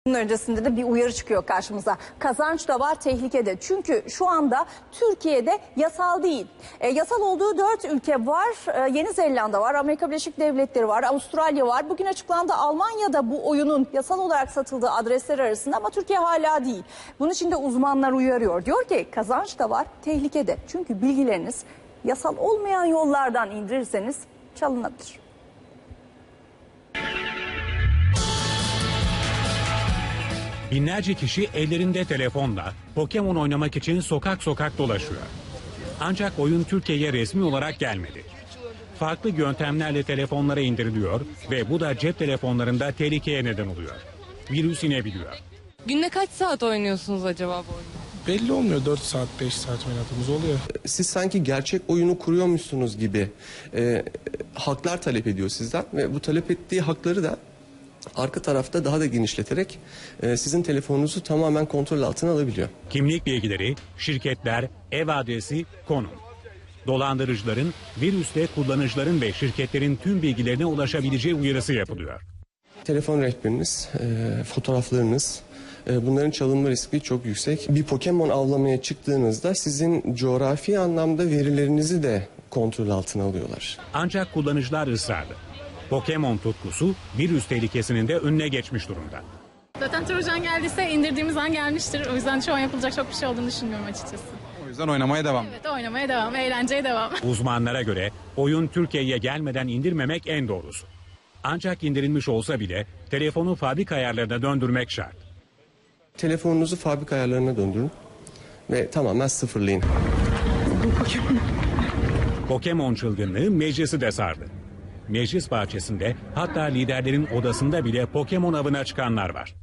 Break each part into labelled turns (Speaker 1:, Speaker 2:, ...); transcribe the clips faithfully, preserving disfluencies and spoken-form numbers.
Speaker 1: Bunun öncesinde de bir uyarı çıkıyor karşımıza. Kazanç da var, tehlike de. Çünkü şu anda Türkiye'de yasal değil. E, yasal olduğu dört ülke var. E, Yeni Zelanda var, Amerika Birleşik Devletleri var, Avustralya var. Bugün açıklandı Almanya'da bu oyunun yasal olarak satıldığı adresler arasında ama Türkiye hala değil. Bunun için de uzmanlar uyarıyor. Diyor ki kazanç da var, tehlike de. Çünkü bilgileriniz yasal olmayan yollardan indirirseniz çalınabilir.
Speaker 2: Binlerce kişi ellerinde telefonla Pokemon oynamak için sokak sokak dolaşıyor. Ancak oyun Türkiye'ye resmi olarak gelmedi. Farklı yöntemlerle telefonlara indiriliyor ve bu da cep telefonlarında tehlikeye neden oluyor. Virüs inebiliyor.
Speaker 3: Günde kaç saat oynuyorsunuz acaba bu oyunu?
Speaker 4: Belli olmuyor, dört saat beş saat oynadığımız oluyor.
Speaker 5: Siz sanki gerçek oyunu kuruyormuşsunuz gibi e, haklar talep ediyor sizden ve bu talep ettiği hakları da arka tarafta daha da genişleterek e, sizin telefonunuzu tamamen kontrol altına alabiliyor.
Speaker 2: Kimlik bilgileri, şirketler, ev adresi, konum. Dolandırıcıların virüsle kullanıcıların ve şirketlerin tüm bilgilerine ulaşabileceği uyarısı yapılıyor.
Speaker 5: Telefon rehberiniz, e, fotoğraflarınız, e, bunların çalınma riski çok yüksek. Bir Pokemon avlamaya çıktığınızda sizin coğrafi anlamda verilerinizi de kontrol altına alıyorlar.
Speaker 2: Ancak kullanıcılar ısrarlı. Pokemon tutkusu virüs tehlikesinin de önüne geçmiş durumda.
Speaker 6: Zaten Trojan geldiyse indirdiğimiz an gelmiştir. O yüzden şu an yapılacak çok bir şey olduğunu düşünmüyorum açıkçası.
Speaker 4: O yüzden oynamaya devam.
Speaker 6: Evet, oynamaya devam, eğlenceye devam.
Speaker 2: Uzmanlara göre oyun Türkiye'ye gelmeden indirmemek en doğrusu. Ancak indirilmiş olsa bile telefonu fabrika ayarlarına döndürmek şart.
Speaker 5: Telefonunuzu fabrika ayarlarına döndürün ve tamamen sıfırlayın.
Speaker 2: Pokemon çılgınlığı meclisi de sardı. Meclis bahçesinde hatta liderlerin odasında bile Pokemon avına çıkanlar var.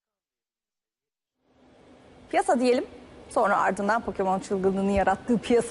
Speaker 1: Piyasa diyelim, sonra ardından Pokemon çılgınlığını yarattığı piyasa.